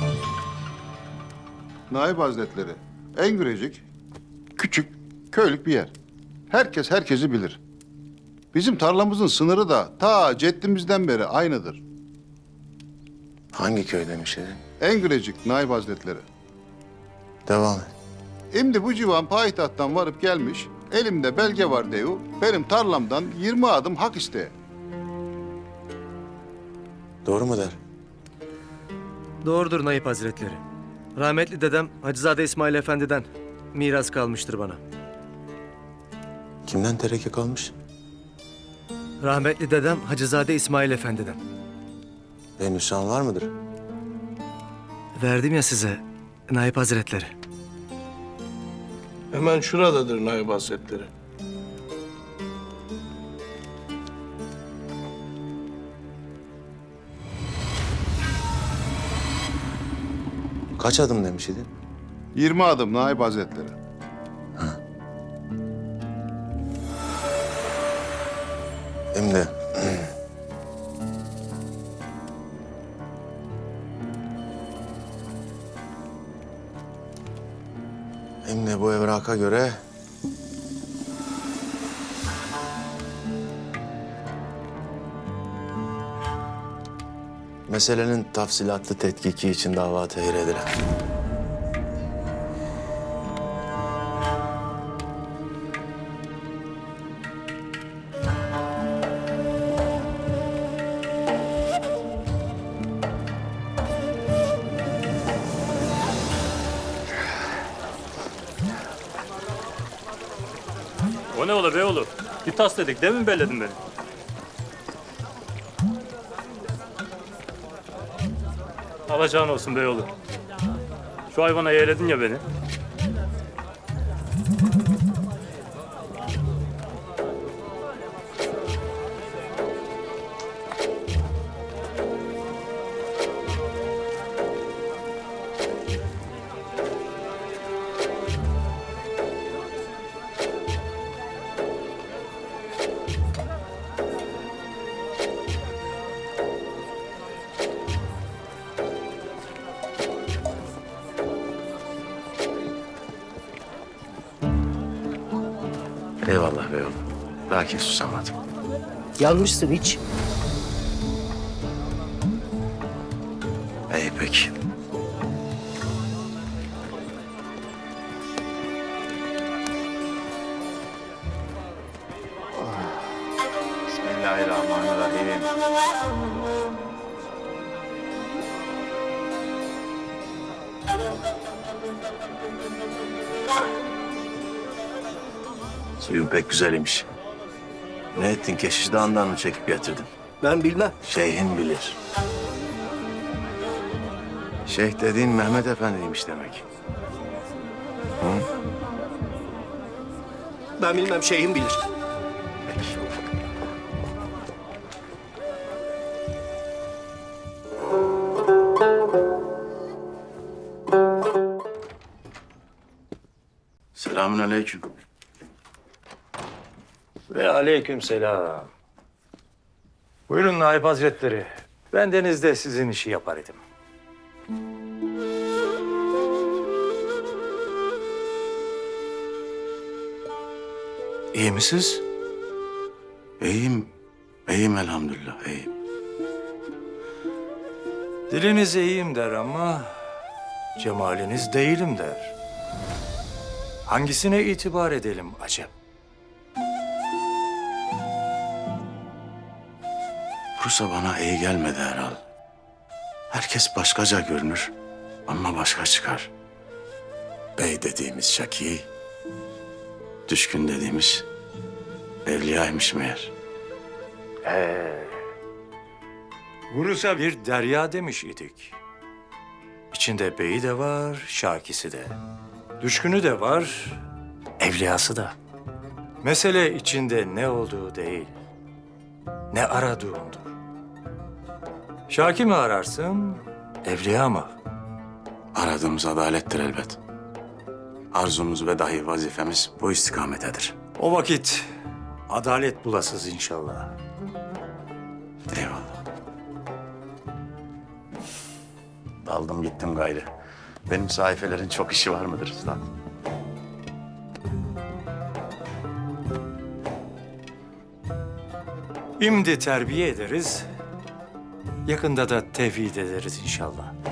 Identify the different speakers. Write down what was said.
Speaker 1: Naip Hazretleri, Engürecik küçük, köylük bir yer. Herkes herkesi bilir. Bizim tarlamızın sınırı da ta ceddimizden beri aynıdır.
Speaker 2: Hangi köy demiş edin?
Speaker 1: Engürecik Naip Hazretleri.
Speaker 2: Devam et.
Speaker 1: Şimdi bu civan payitahttan varıp gelmiş, elimde belge var deyu, benim tarlamdan 20 adım hak isteye.
Speaker 2: Doğru mu der?
Speaker 3: Doğrudur Naip Hazretleri. Rahmetli dedem Hacızade İsmail Efendi'den miras kalmıştır bana.
Speaker 2: Kimden tereke kalmış?
Speaker 3: Rahmetli dedem Hacızade İsmail Efendi'den.
Speaker 2: Ve nüshan var mıdır?
Speaker 3: Verdim ya size Naip Hazretleri.
Speaker 4: Hemen şuradadır Naip Hazretleri.
Speaker 2: Kaç adım demiş idin?
Speaker 1: 20 adım Naip Hazretleri.
Speaker 2: Hem de... Hem de bu evraka göre... Meselenin tafsilatlı tetkiki için dava tehir edilen.
Speaker 5: O ne ola be oğlum? Bir tas dedik, değil mi belledin beni? Alacağın olsun be oğlum. Şu hayvana yeğledin ya beni.
Speaker 2: Eyvallah be oğlum. Lakin susamadım.
Speaker 6: Yanmışsın hiç.
Speaker 2: İyi peki.
Speaker 7: Bismillahirrahmanirrahim.
Speaker 2: Suyun pek güzelmiş. Ne ettin? Keşiş Dağı'ndan mı çekip getirdin?
Speaker 6: Ben bilmem.
Speaker 2: Şeyhin bilir. Şeyh dediğin Mehmet Efendi'ymiş demek.
Speaker 6: Ben bilmem, şeyhim bilir.
Speaker 2: Selamünaleyküm.
Speaker 8: Ve aleykümselam. Buyurun Naip Hazretleri. Bendeniz de sizin işi yapar idim. İyi misiniz?
Speaker 2: İyiyim. İyiyim elhamdülillah. İyiyim.
Speaker 8: Diliniz iyiyim der ama cemaliniz değilim der. Hangisine itibar edelim acep?
Speaker 2: Bursa bana iyi gelmedi herhal. Herkes başkaca görünür ama başka çıkar. Bey dediğimiz Şaki, düşkün dediğimiz evliyaymış meğer.
Speaker 8: Bursa bir derya demiş idik. İçinde beyi de var, şakisi de. Düşkünü de var, evliyası da. Mesele içinde ne olduğu değil, ne aradığındır. Şaki mi ararsın, evliya mı?
Speaker 2: Aradığımız adalettir elbet. Arzumuz ve dahi vazifemiz bu istikametedir.
Speaker 8: O vakit adalet bulasız inşallah.
Speaker 2: Eyvallah. Aldım gittim gayrı. Benim sayfelerin çok işi var mıdır Üstad?
Speaker 8: Şimdi terbiye ederiz. Yakında da tevhid ederiz inşallah.